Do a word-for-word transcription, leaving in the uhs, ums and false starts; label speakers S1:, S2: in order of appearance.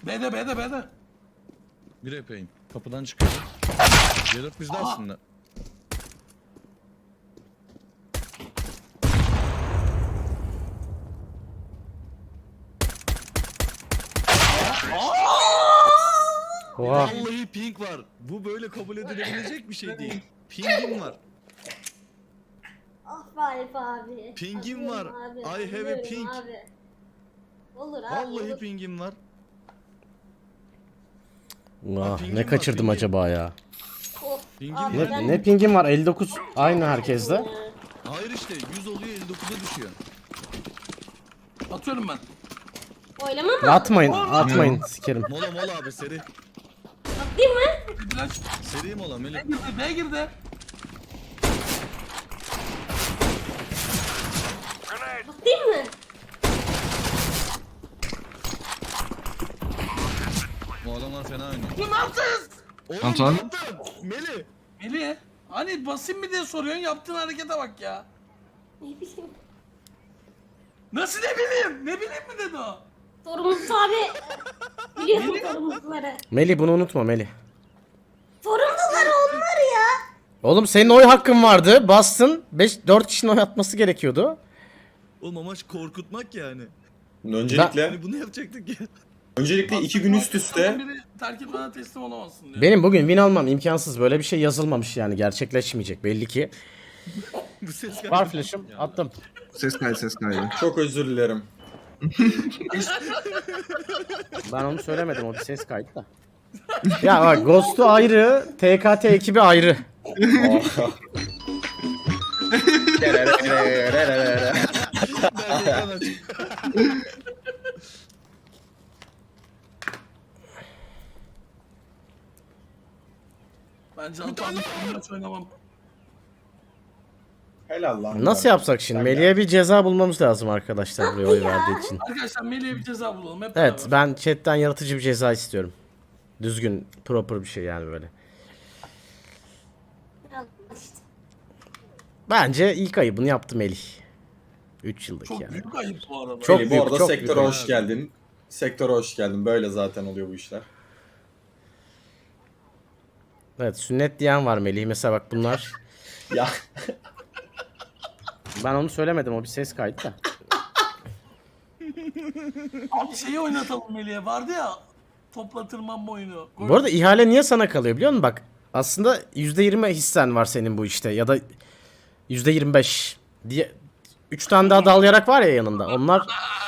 S1: B'de B'de B'de.
S2: Bir epeyim. Kapıdan çıkıyor. C dört bizde
S1: Aha.
S2: aslında.
S3: Oha.
S2: Vallahi ping var. Bu böyle kabul edilebilecek bir şey değil. Pingim var.
S4: Ah be Alp abi.
S2: Pingim var.
S4: Atıyorum Abi.
S2: I have a
S4: atıyorum
S2: ping.
S4: Abi. Olur abi.
S2: Vallahi
S4: olur.
S2: pingim var.
S3: Ah,
S2: pingim
S3: ne
S2: var,
S3: kaçırdım
S2: pingim.
S3: acaba ya?
S4: Of,
S2: Pingim
S4: abi
S2: var.
S4: ben-
S3: Ne, ne pingim var? elli dokuz aynı herkeste.
S4: Ya.
S2: Hayır işte yüz oluyor elli dokuza düşüyor.
S1: Atıyorum ben.
S4: Oylama mı?
S3: Atmayın, atmayın sikerim.
S2: Mola mola abi seri.
S4: Atlayayım mı?
S1: Bir flash.
S2: Seri mola
S1: B
S2: Melih.
S1: girdi B girdi.
S4: Atlayayım mı?
S2: Bu adamlar fena oynuyor.
S1: Bu ne yaptınız?
S2: Oğlum
S5: Antoine?
S2: ne yaptın? Melih.
S1: Melih. Hani basayım mı diye soruyorsun, yaptığın harekete bak ya.
S4: Ne bileyim.
S1: Nasıl ne bileyim? Ne bileyim mi dedi o?
S4: Sorumlusu abi. Biliyorsun sorumluları.
S3: Melih bunu unutma Melih.
S4: Sorumluları onlar ya.
S3: Oğlum senin oy hakkın vardı. Bastın. beş dört kişinin oy atması gerekiyordu.
S2: Oğlum amaç korkutmak yani.
S6: Öncelikle
S2: Yani bunu yapacaktık ya.
S6: öncelikle iki gün üst üste
S1: Biri terk etmeden teslim olamazsın diyor.
S3: Benim bugün win almam imkansız. Böyle bir şey yazılmamış yani. Gerçekleşmeyecek belli ki.
S2: Bu ses
S3: Var flash'ım. Attım.
S5: Ses kaydı ses kaydı.
S6: çok özür dilerim.
S3: Ben onu söylemedim. O bir ses kaydı da. Ya bak Ghost'u ayrı. T K T ekibi ayrı.
S2: Ben ekran açayım.
S1: Bence Antoine maç oynamam.
S6: Helal lan.
S3: Nasıl yapsak şimdi? Melih'e bir ceza bulmamız lazım arkadaşlar buraya oy verdiği için.
S1: Arkadaşlar Melih'e bir ceza bulalım hep
S3: Evet
S1: beraber.
S3: ben chatten yaratıcı bir ceza istiyorum. Düzgün, proper bir şey yani böyle.
S4: Al işte.
S3: Bence ilk ayıbını yaptı Melih. üç yıllık
S1: Çok
S3: yani.
S1: büyük ayıp bu arada.
S3: Çok
S6: Melih,
S3: büyük,
S6: bu arada
S3: çok
S6: sektöre
S3: büyük.
S6: hoş geldin. Sektöre hoş geldin. Böyle zaten oluyor bu işler.
S3: Evet sünnet diyen var Melih. Mesela bak bunlar.
S6: Ya
S3: Ben onu söylemedim o bir ses kaydı da.
S1: Abi şeyi oynatalım Melih'e, vardı ya topla tırmanma oyunu.
S3: Bu arada ihale niye sana kalıyor biliyor musun? Bak aslında yüzde yirmi hissen var senin bu işte ya da yüzde yirmi beş diye üç tane daha dal yarak var ya yanında. Onlar